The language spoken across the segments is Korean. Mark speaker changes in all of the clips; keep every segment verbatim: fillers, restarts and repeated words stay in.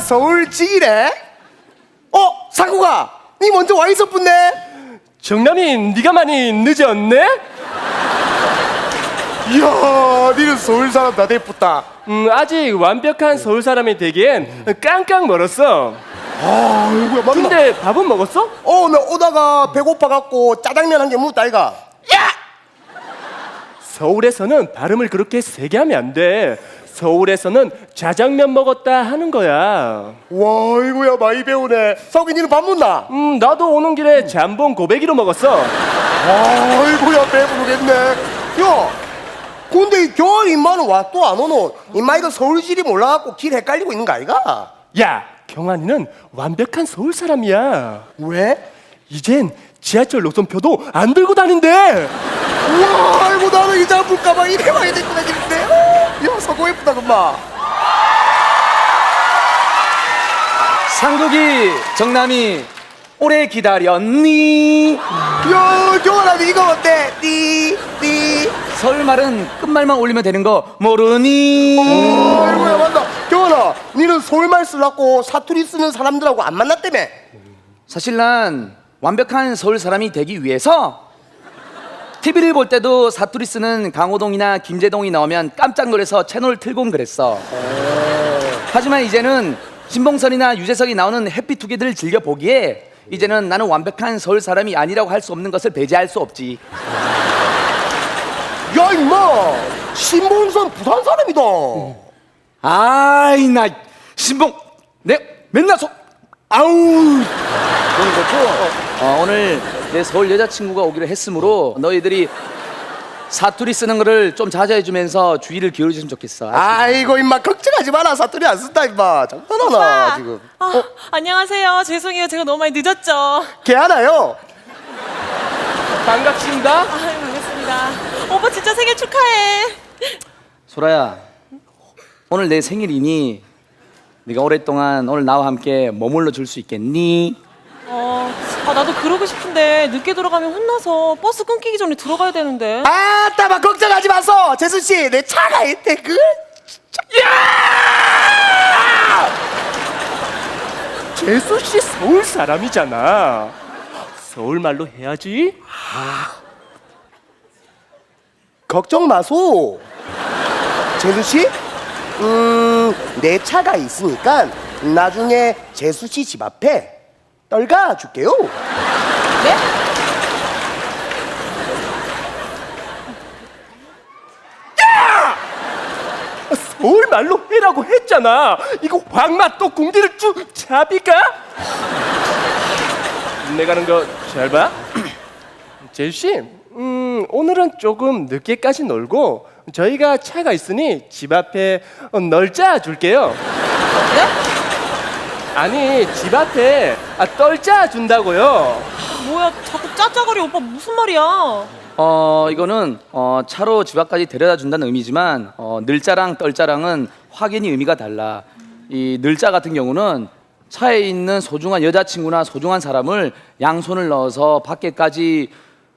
Speaker 1: 서울지기래? 어? 상구가 니 먼저 와 있었군네.
Speaker 2: 정남이 네가 많이 늦었네?
Speaker 1: 이야, 니는 서울 사람 다 됐다.
Speaker 2: 음, 아직 완벽한 서울 사람이 되기엔 깡깡 멀었어.
Speaker 1: 아이고야, 맞나?
Speaker 2: 근데 밥은 먹었어?
Speaker 1: 어, 나 오다가 배고파갖고 짜장면 한 개 묻다 이가. 야!
Speaker 2: 서울에서는 발음을 그렇게 세게 하면 안 돼. 서울에서는 짜장면 먹었다 하는 거야.
Speaker 1: 와, 이거야 많이 배우네. 석이 니는 밥 묻나?
Speaker 2: 음, 나도 오는 길에 잠봉 고백이로 먹었어.
Speaker 1: 아이고야 배부르겠네. 야, 근데 이 겨울 인마는 와 또 안 오노? 인마이가 서울지리 몰라갖고 길 헷갈리고 있는 거 아이가?
Speaker 2: 야, 경환이는 완벽한 서울 사람이야.
Speaker 1: 왜?
Speaker 2: 이젠 지하철 노선표도 안 들고 다닌대.
Speaker 1: 우와, 아이고 나는 이자 볼까봐 이래 와야 됐구나 길인데. 야, 서고 예쁘다 금마.
Speaker 3: 상국이 정남이 오래 기다렸니?
Speaker 1: 야, 경환아 이거 어때? 띠, 띠.
Speaker 3: 서울말은 끝말만 올리면 되는 거 모르니?
Speaker 1: 아이고야 맞다. 경환아, 니는 서울말 쓰려고 사투리 쓰는 사람들하고 안 만났다며?
Speaker 3: 사실 난 완벽한 서울 사람이 되기 위해서 티비를 볼 때도 사투리 쓰는 강호동이나 김재동이 나오면 깜짝 놀라서 채널 틀곤 그랬어. 하지만 이제는 신봉선이나 유재석이 나오는 해피투게더를 즐겨 보기에 이제는 나는 완벽한 서울 사람이 아니라고 할 수 없는 것을 배제할 수 없지.
Speaker 1: 야 임마, 신봉선 부산 사람이다.
Speaker 3: 아이 나 신봉 내 맨날 소 아우 그건 그렇고 어, 오늘 내 서울 여자친구가 오기로 했으므로 너희들이 사투리 쓰는 거를 좀 자제해주면서 주의를 기울여주면 좋겠어.
Speaker 1: 아이고 임마 걱정하지 마라. 사투리 안 쓴다 임마. 장난하나
Speaker 4: 오빠.
Speaker 1: 지금.
Speaker 4: 아,
Speaker 1: 어?
Speaker 4: 안녕하세요. 죄송해요. 제가 너무 많이 늦었죠.
Speaker 1: 걔 하나요?
Speaker 2: 반갑습니다.
Speaker 4: 아, 반갑습니다. 오빠 진짜 생일 축하해.
Speaker 3: 소라야 오늘 내 생일이니 네가 오랫동안 오늘 나와 함께 머물러 줄 수 있겠니?
Speaker 4: 어, 아, 나도 그러고 싶은데 늦게 들어가면 혼나서 버스 끊기기 전에 들어가야 되는데.
Speaker 1: 아따 막 걱정하지 마소. 재수 씨, 내 차가 있대. 그
Speaker 2: 재수 씨 서울 사람이잖아. 서울 말로 해야지.
Speaker 1: 걱정 마소. 재수 씨, 음, 내 차가 있으니까 나중에 재수 씨 집 앞에 떨가 줄게요.
Speaker 4: 네?
Speaker 2: 서울 말로 해라고 했잖아. 이거 황맛도 궁디를 쭉 잡이가? 내가 하는 거 잘 봐. 재수 씨, 음, 오늘은 조금 늦게까지 놀고 저희가 차가 있으니 집 앞에 어, 널짜 줄게요.
Speaker 4: 네?
Speaker 2: 아니 집 앞에 아, 떨짜 준다고요.
Speaker 4: 뭐야, 자꾸 짜짜거리. 오빠 무슨 말이야?
Speaker 3: 어 이거는 어, 차로 집 앞까지 데려다 준다는 의미지만 어, 늘자랑 떨자랑은 확연히 의미가 달라. 이 늘자 같은 경우는 차에 있는 소중한 여자친구나 소중한 사람을 양손을 넣어서 밖에까지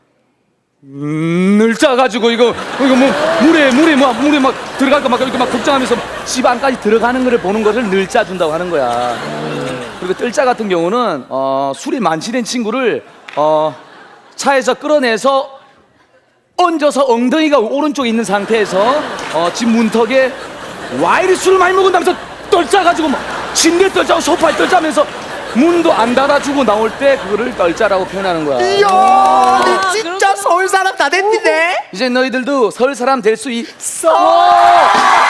Speaker 3: 음, 늘자 가지고 이거 이거 뭐 물에 물에 막 물에 막 들어갈까 막 이렇게 막 걱정하면서 집 안까지 들어가는 거를 보는 것을 늘자 준다고 하는 거야. 그리고 뜰자 같은 경우는 어, 술이 만취된 친구를 어, 차에서 끌어내서 얹어서 엉덩이가 오른쪽에 있는 상태에서 어, 집 문턱에 와 이리 술을 많이 먹은다면서 떨자 가지고 막 침대 떨자고 소파에 떨자면서 문도 안 닫아주고 나올 때 그거를 떨자라고 표현하는 거야.
Speaker 1: 이야, 니 진짜
Speaker 4: 그렇구나.
Speaker 1: 서울 사람 다 됐는데.
Speaker 3: 이제 너희들도 서울 사람 될 수 있어.
Speaker 1: 어!